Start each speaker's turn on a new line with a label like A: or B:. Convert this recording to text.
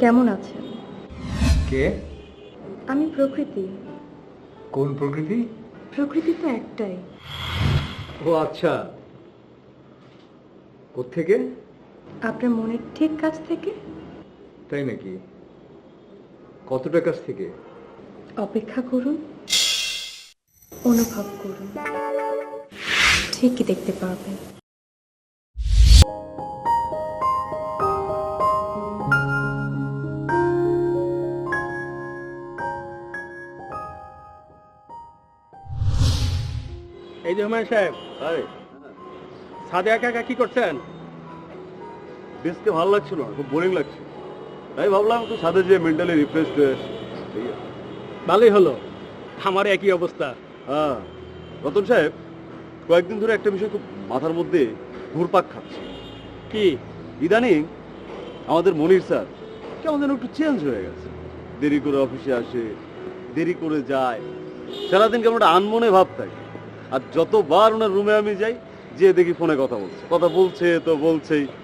A: কেমন আছেন?
B: কে?
A: আমি প্রকৃতি।
B: কোন প্রকৃতি?
A: প্রকৃতি তো একটাই।
B: ও আচ্ছা, কোত্থেকে?
A: আপনার মনের ঠিক কাছ থেকে।
B: তাই নাকি? কতটা কাছ থেকে?
A: অপেক্ষা করুন, অনুভব করুন, ঠিকই দেখতে পাবেন।
C: এই যে হুমায়ুন সাহেব, ছাদে একা একা কি করছেন?
D: বেশকে ভালো লাগছিল না, খুব বোরিং লাগছে, তাই ভাবলাম একটু ছাদে যে মেন্টালি রিফ্রেশ হয়ে আসি। এই আর।
C: ভালোই হলো, আমার একই অবস্থা।
D: হ্যাঁ রতন সাহেব, কয়েকদিন ধরে একটা বিষয় খুব মাথার মধ্যে ঘুরপাক খাচ্ছে।
C: কি?
D: ইদানিং আমাদের মনির স্যার কেমন যেন একটু চেঞ্জ হয়ে গেছে। দেরি করে অফিসে আসে, দেরি করে যায়, সারাদিন কেমন একটা আনমনে ভাব থাকে। আর যতবার ওনার রুমে আমি যাই, যে দেখি ফোনে কথা বলছে তো বলছেই।